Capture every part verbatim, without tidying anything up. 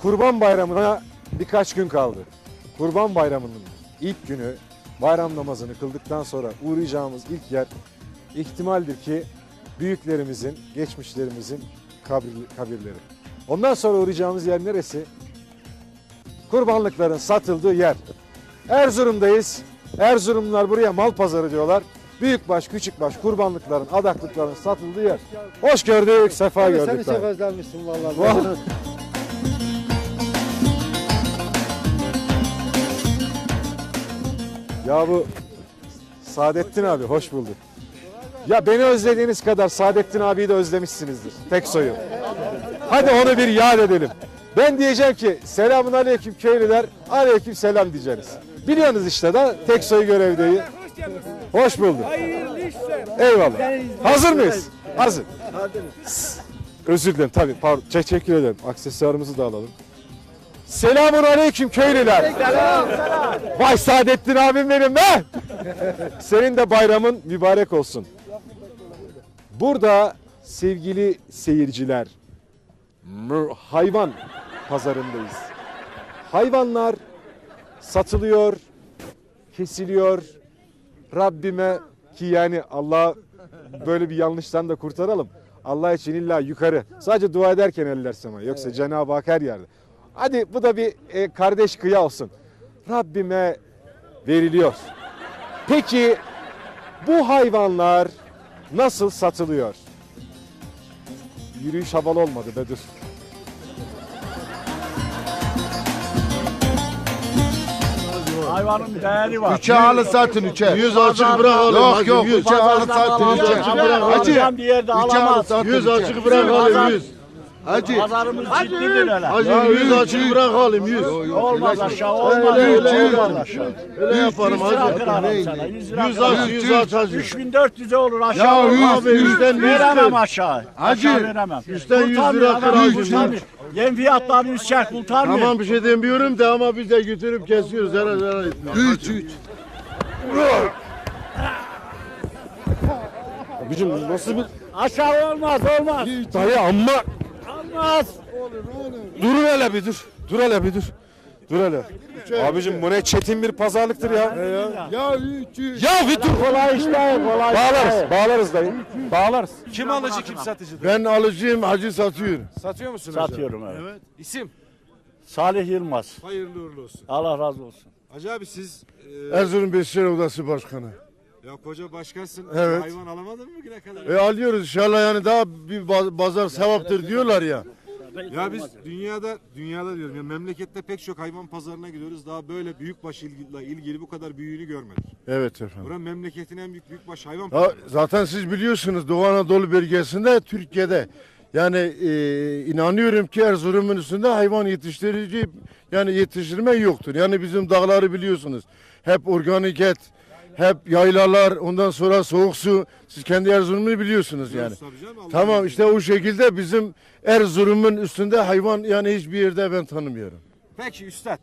Kurban Bayramı'na birkaç gün kaldı. Kurban Bayramı'nın ilk günü bayram namazını kıldıktan sonra uğrayacağımız ilk yer ihtimaldir ki büyüklerimizin, geçmişlerimizin kabir, kabirleri. Ondan sonra uğrayacağımız yer neresi? Kurbanlıkların satıldığı yer. Erzurum'dayız. Erzurumlular buraya mal pazarı diyorlar. Büyükbaş, küçükbaş kurbanlıkların, adaklıkların satıldığı yer. Hoş gördük, sefa Abi gördük. seni çok özlemişsin vallahi. Vallahi. Ya bu Saadettin abi hoş bulduk. Ya beni özlediğiniz kadar Saadettin abiyi de özlemişsinizdir. Tek soyu. Hadi onu bir yad edelim. Ben diyeceğim ki selamun aleyküm köylüler, aleyküm selam diyeceğiz. Biliyorsunuz işte da tek soyu görevdeyi. Hoş bulduk. Eyvallah. Hazır mıyız? Hazır. Özür dilerim tabii. Pardon. Teşekkür ederim. Aksesuarımızı da alalım. Selamun aleyküm köylüler. Selam. Vay Saadettin abim benim be. Senin de bayramın mübarek olsun. Burada sevgili seyirciler, hayvan pazarındayız. Hayvanlar satılıyor, kesiliyor. Rabbime ki yani Allah böyle bir yanlıştan da kurtaralım. Allah için illa yukarı. Sadece dua ederken eller semaya. Yoksa evet. Cenab-ı Hak her yerde. Hadi bu da bir e, kardeş kıya olsun. Rabbime veriliyor. Peki bu hayvanlar nasıl satılıyor? Yürüyüş havalı olmadı be dur. Hayvanın değeri var. Üçe alı satın üçe. Yüz açık bırakalım. Yok yok. Üçe alı satın. Yüz açık bırakalım. Hacı. Bir yerde alamaz. Yüz açık bırakalım. Yüz. Hacı. Pazarımız ciddidir öyle. Hacı yüz açık bırakalım. Yüz. Olmaz aşağı olmaz. Öyle Olmaz aşağı. Öyle yaparım hacı. Yüz aç. Yüz aç hacı. üç bin dört yüze olur aşağı olmaz. Yüzden veremem aşağı. Hacı. Veremem. Yüzden yüz lira kır hacı. Yem fiyatları yüz çark kurtarmıyor. Tamam bir şey demiyorum da ama biz de götürüp kesiyoruz. Zarar zarar etmiyor. Üç üç. Abicim nasıl bir... Aşağı olmaz olmaz. Dayı amma... Olmaz. Dur hele bir dur. Dur hele bir dur. Dur hele. Abicim bu ne çetin bir pazarlıktır ya. Ya, ya üç üç. Ya bir dur. Kolay işte kolay. Bağlarız. Bağlarız dayı. Bağlarız. Kim alıcı kim satıcı? Ben alıcıyım hacı satıyor. Satıyor musun hocam? Satıyorum evet. İsim? Salih Yılmaz. Hayırlı uğurlu olsun. Allah razı olsun. Hacı abi siz e, Erzurum Beşiktaş Odası Başkanı. ya koca başkansın. Evet. Hayvan alamadın mı bugüne kadar? E alıyoruz inşallah yani daha bir ba- pazar sevaptır diyorlar ya. Ya biz dünyada dünyada diyorum ya memlekette pek çok hayvan pazarına gidiyoruz. Daha böyle büyükbaş ilgili, ilgili bu kadar büyüğünü görmedik. Evet efendim. Buranın memleketin en büyük büyükbaş hayvan Ha, pazarı. zaten siz biliyorsunuz Doğu Anadolu bölgesinde Türkiye'de yani e, inanıyorum ki Erzurum'un üstünde hayvan yetiştirici yani yetiştirme yoktur. Yani bizim dağları biliyorsunuz. Hep organik et, hep yaylalar, ondan sonra soğuk su. Siz kendi Erzurum'u biliyorsunuz yani. Tabii canım, Allah Tamam razı işte o şekilde bizim Erzurum'un üstünde hayvan yani hiçbir yerde ben tanımıyorum. Peki üstad.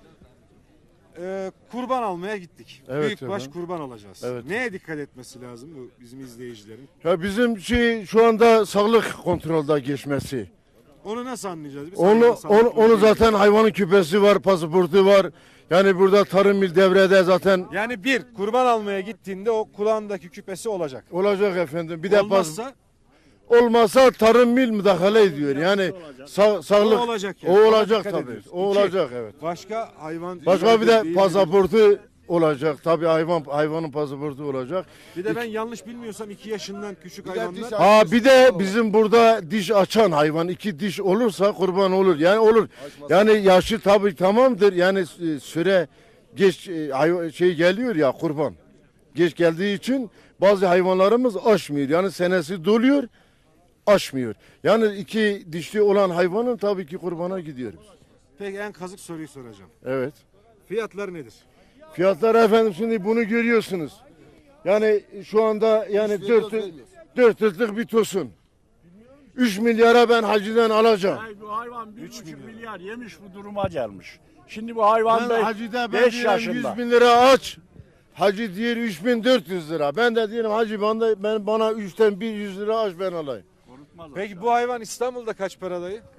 Ee, kurban almaya gittik. Evet Büyükbaş efendim. kurban alacağız. Evet. Neye dikkat etmesi lazım bu bizim izleyicilerin? Ya bizim şey şu anda sağlık kontrolde geçmesi. Onu nasıl anlayacağız biz? Onu Hayvan onu, sağlıklı onu değil. zaten hayvanın küpesi var, pasaportu var. Yani burada tarım il devrede zaten Yani bir kurban almaya gittiğinde o kulağındaki küpesi olacak. olacak efendim. Bir de pas, Olmazsa olmazsa tarım mil müdahale ediyor. Yani sağ, sağlık o olacak o yani. Ona olacak dikkat tabii. ediyoruz. O İki, olacak evet. Başka hayvan Başka bir de değil- pasaportu olacak. Tabii hayvan hayvanın pasaportu olacak. Bir de ben yanlış bilmiyorsam iki yaşından küçük hayvanlar. Ha bir de bizim burada diş açan hayvan iki diş olursa kurban olur. Yani olur. Yani yaşı tabii tamamdır. Yani e, süre geç e, hayvan- şey geliyor ya kurban. Geç geldiği için bazı hayvanlarımız aşmıyor. Yani senesi doluyor, aşmıyor. Yani iki dişli olan hayvanın tabii ki kurbana gidiyoruz. Peki en kazık soruyu soracağım. Evet. Fiyatlar nedir? Fiyatlar efendim şimdi bunu görüyorsunuz. Yani şu anda yani dört dört yıllık bir tosun. Üç milyara ben haciden alacağım. Ay, bu hayvan bir buçuk milyar yemiş bu duruma gelmiş. Şimdi bu hayvan Ben da hacide ben beş diyorum yaşında. yüz bin lira aç. Hacı diyor üç bin dört yüz lira. Ben de diyorum hacı bana, ben bana üçten bir yüz lira aç ben alayım. Peki bu hayvan İstanbul'da kaç para dayı?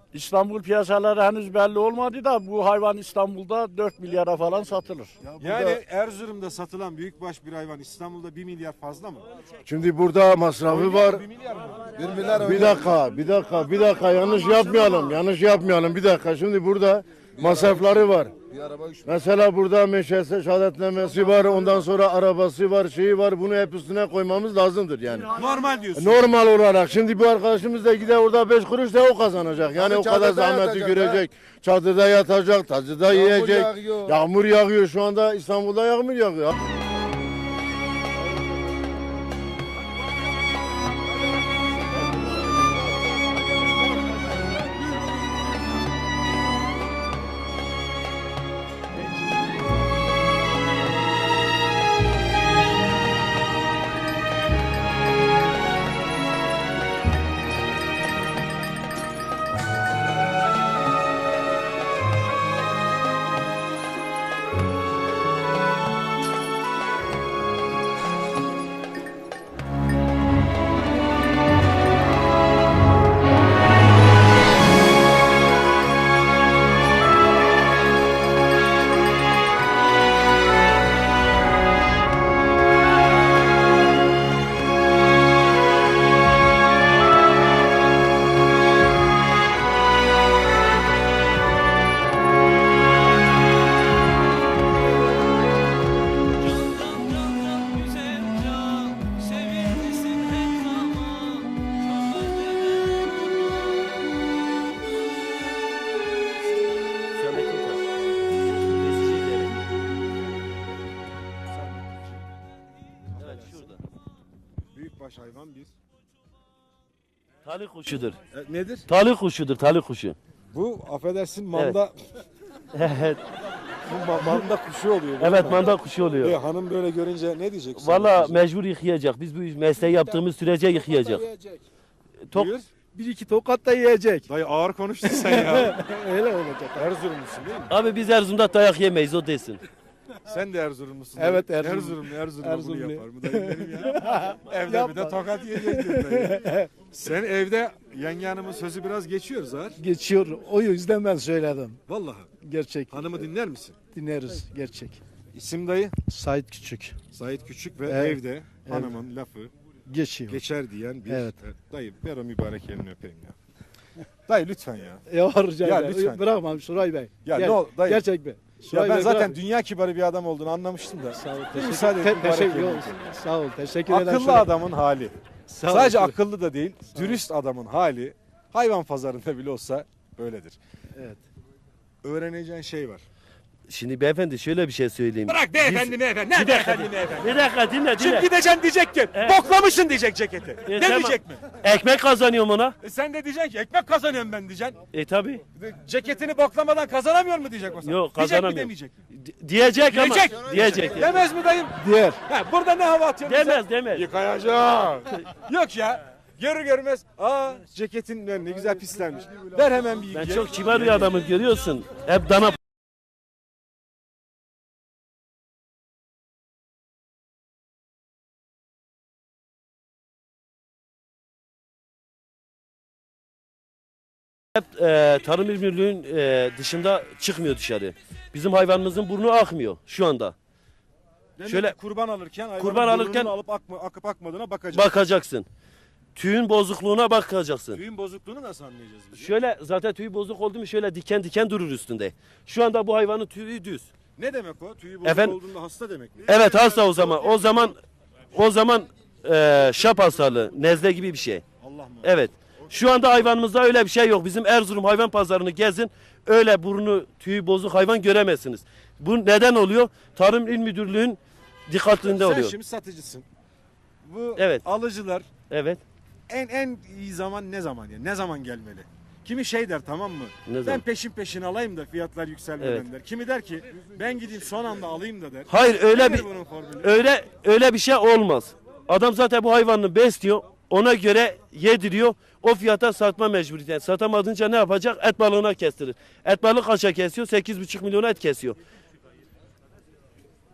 İstanbul piyasaları henüz belli olmadı da bu hayvan İstanbul'da dört milyara falan satılır. Yani Erzurum'da satılan büyükbaş bir hayvan İstanbul'da bir milyar fazla mı? Şimdi burada masrafı var. bir milyar mı? Bir dakika, bir dakika, bir dakika yanlış yapmayalım. Yanlış yapmayalım. Bir dakika. Şimdi burada masrafları var. Mesela burada meşhese şehadetnamesi var. Ondan sonra arabası var, şeyi var. Bunu hep üstüne koymamız lazımdır yani. Normal diyorsun. Normal olarak. Şimdi bu arkadaşımız da gider orada beş kuruş da o kazanacak. Yani o kadar çadırda zahmeti yatacak görecek. Çadırda yatacak, tacıda yiyecek. yağıyor. Yağmur yağıyor. Şu anda İstanbul'da yağmur yağıyor. Büyükbaş hayvan bir. Talih kuşudur. E, nedir? Talih kuşudur, talih kuşu. Bu affedersin manda. Evet. Bu ma- manda kuşu oluyor. değil Evet, mi? manda kuşu E, oluyor. hanım böyle görünce ne diyecek? Valla mecbur yıkayacak. Biz bu mesleği yaptığımız sürece yıkayacak. Tok, Buyur. Bir iki tokat da yiyecek. Dayı ağır konuştun sen ya. Öyle olacak. Erzurumlusun değil mi? abi biz Erzurum'da dayak yemeyiz, o desin. Sen de Erzurumlusun. Evet, dayı. Erzurum. Erzurumlu. Erzurumlu bunu Erzurumlu. yapar mı dayı benim ya? Evde bir de tokat yiyecektin dayı. Sen evde yenge hanımın sözü biraz geçiyor zar. Geçiyor. O yüzden ben söyledim. Vallahi. Gerçek. Hanımı dinler misin? Dinleriz. Gerçek. İsim dayı? Sait Küçük. Sait Küçük ve Evet. evde hanımın lafı Geçiyor. geçer diyen bir Evet. e, dayı ver o mübarek elini öpeyim ya. Dayı lütfen ya. Ya rica Ya ederim. lütfen. Bırakmam Suray Bey. Ya Gel. ne ol dayı. Gerçek mi? Ya Suray ben Bey, zaten bırak. dünya kibarı bir adam olduğunu anlamıştım da. Sağ ol. Bir Teşekkür, müsaade et, te- mübarek teşekkür elini ol. öpeyim. Sağ ol. Teşekkür ederim. Akıllı Suray. adamın hali. Sağ ol, Sadece Suray. akıllı da değil, dürüst adamın hali hayvan pazarında bile olsa böyledir. Evet. Öğreneceğin şey var. Şimdi beyefendi şöyle bir şey söyleyeyim. Bırak beyefendi beyefendi. Ne beyefendi beyefendi? Bir dakika dinle Şimdi dinle. gideceksin diyecek ki boklamışsın diyecek ceketi. E, ne tamam. diyecek mi? Ekmek kazanıyorum ona. E sen de diyeceksin ki ekmek kazanıyorum ben diyeceksin. E tabi. Ceketini boklamadan kazanamıyor mu diyecek o sana? Yok, Diyecek mi kazanamıyorum. demeyecek mi? Diyecek ama. Diyecek. Diyecek. Demez mi dayım? Diğer. Ha, burada ne hava atıyorsun sen? Demez demez. Yıkayacağım. Yok ya. Görür görmez, aa ceketin ne ne güzel pislenmiş. Ver hemen bir Ben yıkayayım. çok kibar bir adamım, görüyorsun. Hep dana hep e, Tarım İl Müdürlüğü'nün e, dışında çıkmıyor dışarı. Bizim hayvanımızın burnu akmıyor şu anda. Demek şöyle- ki kurban alırken hayvanın Kurban alırken- burnunu alıp akma, akıp akmadığına bakacaksın. Bakacaksın. Tüyün bozukluğuna bakacaksın. Tüyün bozukluğunu nasıl anlayacağız biz? Şöyle zaten tüyü bozuk oldu mu şöyle diken diken durur üstünde. Şu anda bu hayvanın tüyü düz. Ne demek o? Tüyü bozuk Efendim? olduğunda hasta demek mi? Evet hasta o zaman. O zaman o zaman e, şap hastalığı, nezle gibi bir şey. Allah mı? Evet. Şu anda hayvanımızda öyle bir şey yok. Bizim Erzurum hayvan pazarını gezin. Öyle burnu tüyü bozuk hayvan göremezsiniz. Bu neden oluyor? Tarım İl Müdürlüğü'nün dikkatinde Sen oluyor. şimdi satıcısın. Bu Evet. alıcılar Evet. en en iyi zaman ne zaman ya? Ne zaman gelmeli? Kimi şey der tamam mı? Ne ben zaman? peşin peşin alayım da fiyatlar yükselmeden Evet. der. Kimi der ki ben gideyim son anda alayım da der. Hayır öyle Nedir bir bunun formülü? öyle öyle bir şey olmaz. Adam zaten bu hayvanını besliyor. Ona göre yediriyor. O fiyata satma mecburiyeti. Satamadınca ne yapacak? Et balığına kestirir. Et balığı kaça kesiyor? sekiz buçuk milyona et kesiyor.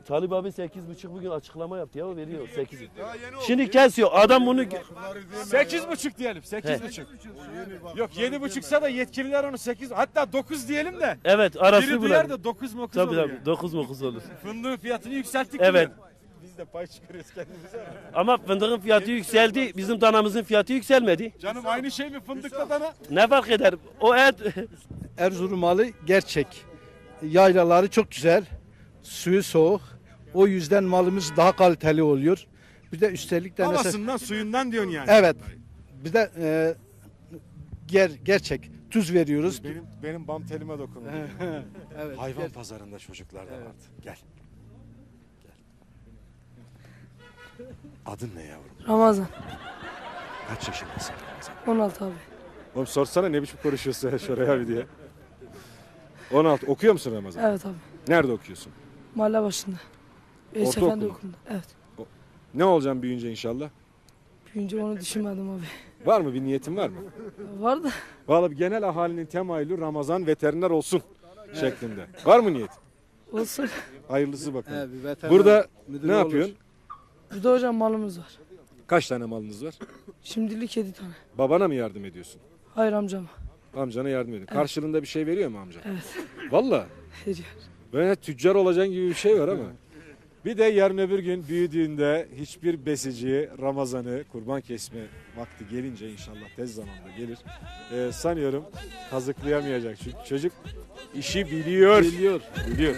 Talip abi sekiz buçuk bugün açıklama yaptı ya, o veriyor sekiz. Şimdi kesiyor adam bunu. Sekiz buçuk diyelim. Sekiz buçuk. Yok yedi buçuksa da yetkililer onu sekiz hatta dokuz diyelim de. Evet arası Biri bu. duyar da dokuz mokuz Tabii olur tabii yani. dokuz mokuz olur. Fındığın fiyatını yükselttik. Evet. bile. Biz de pay çıkarıyoruz kendimize. Ama fındığın fiyatı yükseldi, bizim danamızın fiyatı yükselmedi. Canım aynı şey mi fındıkla dana? Ne fark eder? O et Erzurum malı gerçek. Yaylaları çok güzel. Suyu soğuk. O yüzden malımız daha kaliteli oluyor. Bir de üstelik de mesela, Havasından suyundan diyorsun yani. evet. Bir de e, ger, gerçek tuz veriyoruz. Benim benim bam telime dokundu. Evet. Hayvan pazarında çocuklar da vardı. Gel. Gel. Adın ne yavrum? Ramazan. Kaç yaşındasın Ramazan? on altı abi. Oğlum sorsana ne biçim konuşuyorsun ya şuraya bir diye. on altı. Okuyor musun Ramazan? Evet abi. Nerede okuyorsun? Mahalle başında. Veys Ortaokul Efendi mu? okulunda. Evet. Ne olacaksın büyüyünce inşallah? Büyünce onu düşünmedim abi. Var mı bir niyetin var mı? Vardı. Vallahi bir genel ahalinin temayülü Ramazan veteriner olsun şeklinde. Var mı niyet? Olsun. Hayırlısı bakalım. Evet, bir veteriner Burada müdürü ne olur. yapıyorsun? Burada hocam malımız var. Kaç tane malınız var? Şimdilik yedi tane. Babana mı yardım ediyorsun? Hayır amcama. Amcana yardım ediyorsun. Karşılığında bir şey veriyor mu amca? Evet. Vallahi. Veriyor. Böyle tüccar olacaksın gibi bir şey var ama. Bir de yarın öbür gün büyüdüğünde hiçbir besici Ramazan'ı kurban kesme vakti gelince inşallah tez zamanda gelir. Ee, sanıyorum kazıklayamayacak. Çünkü çocuk işi biliyor. Biliyor. Biliyor.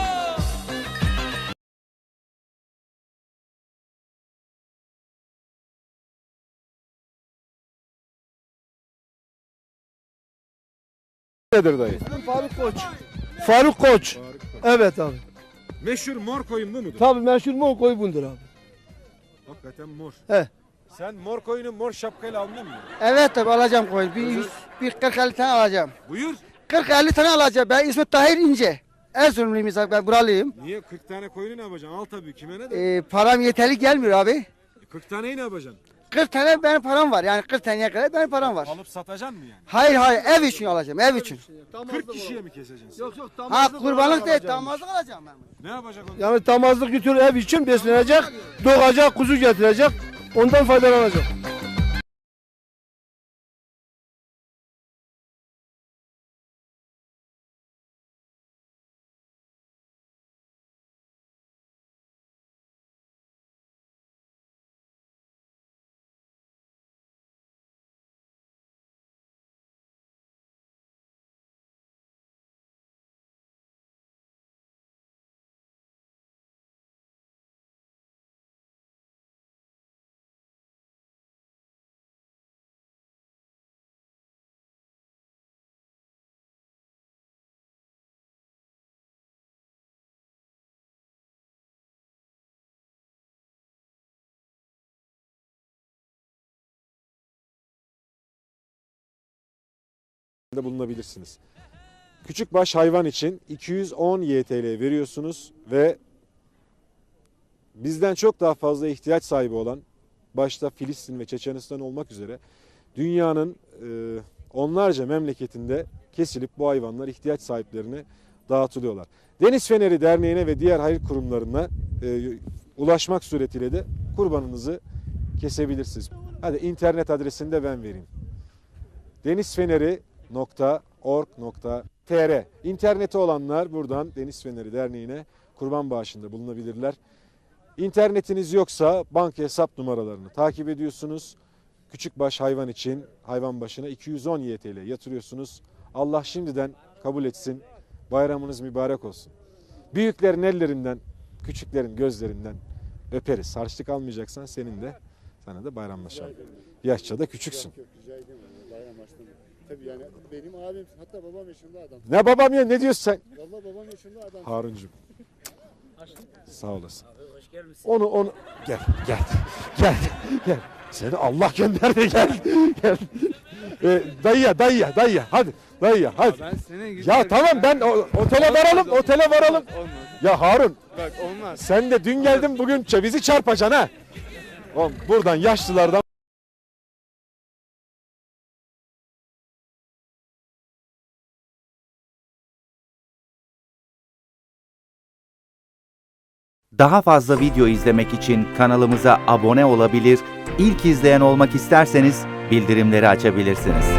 Nedir dayı? Faruk Koç. Faruk Koç. Evet abi. Meşhur mor koyun bu mudur? Tabii meşhur mu koy bundur abi. Hakikaten mor. He. Sen mor koyunu mor şapkayla almıyor musun? Evet tabii alacağım koyun. Bir, yüz- bir kırk elli tane alacağım. Buyur. kırk elli tane alacağım. Ben İsmet Tahir İnce. Erzurumluyum mesela, ben buralıyım. Niye kırk tane koyunu ne yapacaksın? Al tabii kime ne de. Ee, param yeterli gelmiyor abi. kırk taneyi ne yapacaksın? kırk tane benim param var. Yani kırk taneye kadar benim param var. Alıp satacaksın mı yani? Hayır hayır, ev için alacağım, ev için. kırk kişiye mi keseceksin? Yok yok Ha kurbanlık değil, damazlık alacağım ben. Ne yapacak onu? Yani damazlık götür ev için beslenecek, doğacak, kuzu getirecek, ondan faydalanacak. de bulunabilirsiniz. Küçükbaş hayvan için iki yüz on Y T L veriyorsunuz ve bizden çok daha fazla ihtiyaç sahibi olan, başta Filistin ve Çeçenistan olmak üzere dünyanın e, onlarca memleketinde kesilip bu hayvanlar ihtiyaç sahiplerine dağıtılıyorlar. Deniz Feneri Derneği'ne ve diğer hayır kurumlarına e, ulaşmak suretiyle de kurbanınızı kesebilirsiniz. Hadi internet adresini de ben vereyim. denizfeneri nokta org nokta tr İnterneti olanlar buradan Deniz Feneri Derneği'ne kurban bağışında bulunabilirler. İnternetiniz yoksa banka hesap numaralarını takip ediyorsunuz. Küçükbaş hayvan için hayvan başına iki yüz on Y T L yatırıyorsunuz. Allah şimdiden kabul etsin. Bayramınız mübarek olsun. Büyüklerin ellerinden, küçüklerin gözlerinden öperiz. Harçlık almayacaksan senin de, sana da bayramlaşalım. Yaşça da küçüksün. Tabii yani benim abim, hatta babam yaşında adam. Ne babam ya, ne diyorsun sen? Vallahi babam yaşında adam. Haruncuğum. Sağ olasın. Onu onu gel gel gel gel. Seni Allah gönderdi, gel gel. Ee, dayıya dayıya dayıya hadi dayıya hadi. Ben senin Ya tamam, ben o- otele varalım otele varalım. Ya Harun, Bak olmaz. sen de dün geldin bugün bizi çarpacaksın ha. Oğlum, buradan yaşlılardan Daha fazla video izlemek için kanalımıza abone olabilir, ilk izleyen olmak isterseniz bildirimleri açabilirsiniz.